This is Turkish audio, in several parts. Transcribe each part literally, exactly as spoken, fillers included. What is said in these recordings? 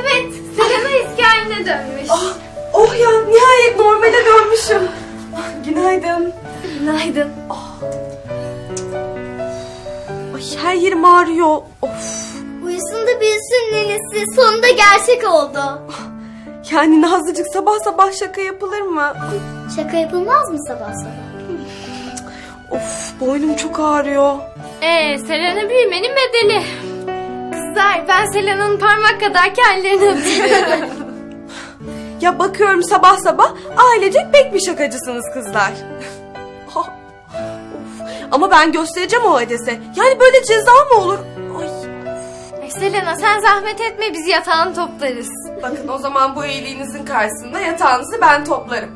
Evet, Selena eski haline dönmüş. Ah, oh ya, nihayet normale dönmüşüm. Ah, günaydın. Günaydın. Ay, her yerim ağrıyor. Of. Uyusun da büyüsün nenesi. Sonunda gerçek oldu. Yani Nazlıcık, sabah sabah şaka yapılır mı? Şaka yapılmaz mı sabah sabah? Of, boynum çok ağrıyor. Ee, Selena büyümenin bedeli. Kızlar, ben Selena'nın parmak kadarki hallerini öpüyorum. Ya bakıyorum sabah sabah ailecek pek bir şakacısınız kızlar. Ah, of. Ama ben göstereceğim o Hades'e. Yani böyle ceza mı olur? Ay. Ay Selena, sen zahmet etme, biz yatağını toplarız. Bakın, o zaman bu iyiliğinizin karşısında yatağınızı ben toplarım.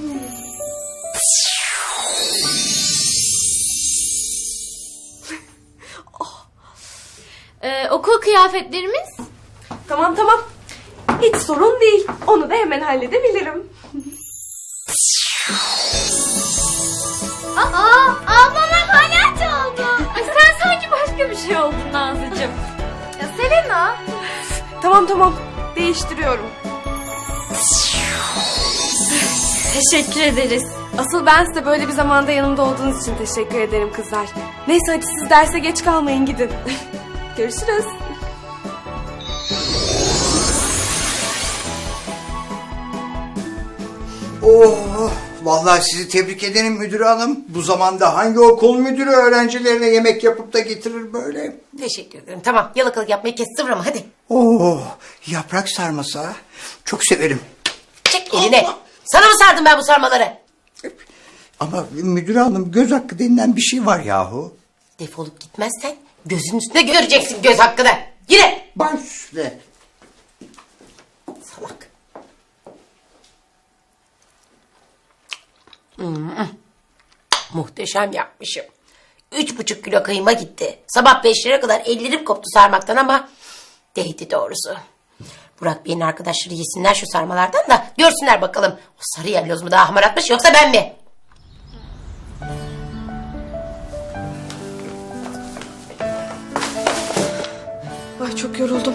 Ee, okul kıyafetlerimiz? Tamam tamam. Hiç sorun değil. Onu da hemen halledebilirim. Aa, ablama palyaço oldu. Ay sen sanki başka bir şey oldun Nazlıcığım. Ya Selena. Tamam tamam. Değiştiriyorum. Teşekkür ederiz. Asıl ben size böyle bir zamanda yanımda olduğunuz için teşekkür ederim kızlar. Neyse, hadi siz derse geç kalmayın, gidin. Görüşürüz. Oh, vallahi sizi tebrik ederim müdür hanım. Bu zamanda hangi okul müdürü öğrencilerine yemek yapıp da getirir böyle? Teşekkür ederim. Tamam, yalakalık yapmayı kes, sıvırama hadi. Oh, yaprak sarması ha. Çok severim. Çek eline. Sana mı sardım ben bu sarmaları? Ama müdür hanım, göz hakkı denilen bir şey var yahu. Defolup gitmezsen gözün üstüne göreceksin göz hakkını. Yine. Baş üstüne. Salak. Hmm. Muhteşem yapmışım. Üç buçuk kilo kıyma gitti. Sabah beşlere kadar ellerim koptu sarmaktan ama değdi doğrusu. Burak Bey'in arkadaşları yesinler şu sarmalardan da görsünler bakalım. O sarı yelloz mu daha hamar atmış yoksa ben mi? Ay, çok yoruldum.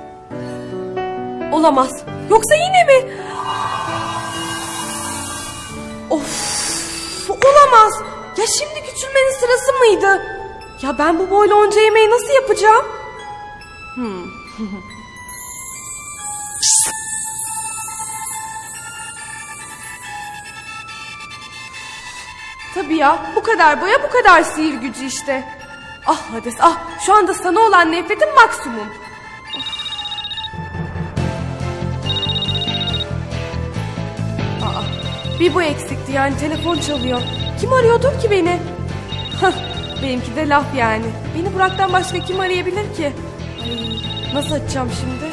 Olamaz. Yoksa yine mi? Of, olamaz. Ya şimdi küçülmenin sırası mıydı? Ya ben bu boyla onca yemeği nasıl yapacağım? Hmm. Tabii ya, bu kadar boya, bu kadar sihir gücü işte. Ah Hades, ah, şu anda sana olan nefretim maksimum. Aa, bir bu eksikti yani, telefon çalıyor. Kim arıyordur ki beni? Hah, benimki de laf yani. Beni Burak'tan başka kim arayabilir ki? Ay, nasıl açacağım şimdi?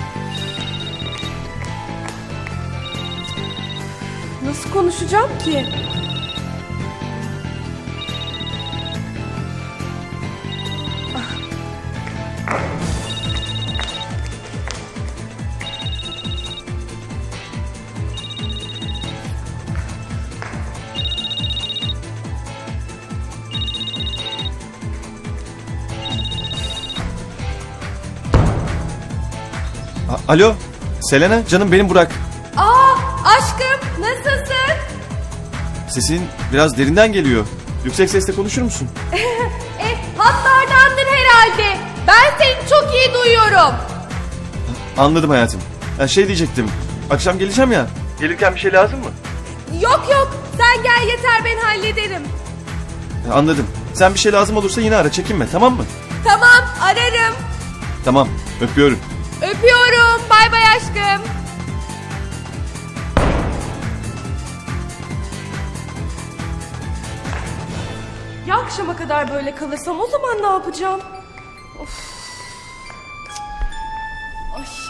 Nasıl konuşacağım ki? A- Alo, Selena, canım benim Burak. Aa, aşkım, nasılsın? Sesin biraz derinden geliyor. Yüksek sesle konuşur musun? E, hatlardandır herhalde. Ben seni çok iyi duyuyorum. Anladım hayatım. Ya şey diyecektim, akşam geleceğim ya. Gelirken bir şey lazım mı? Yok yok, sen gel yeter, ben hallederim. Ya anladım. Sen bir şey lazım olursa yine ara, çekinme, tamam mı? Tamam, ararım. Tamam, öpüyorum. Öpüyorum, bay bay aşkım. Ya akşama kadar böyle kalırsam o zaman ne yapacağım? Of. Ay.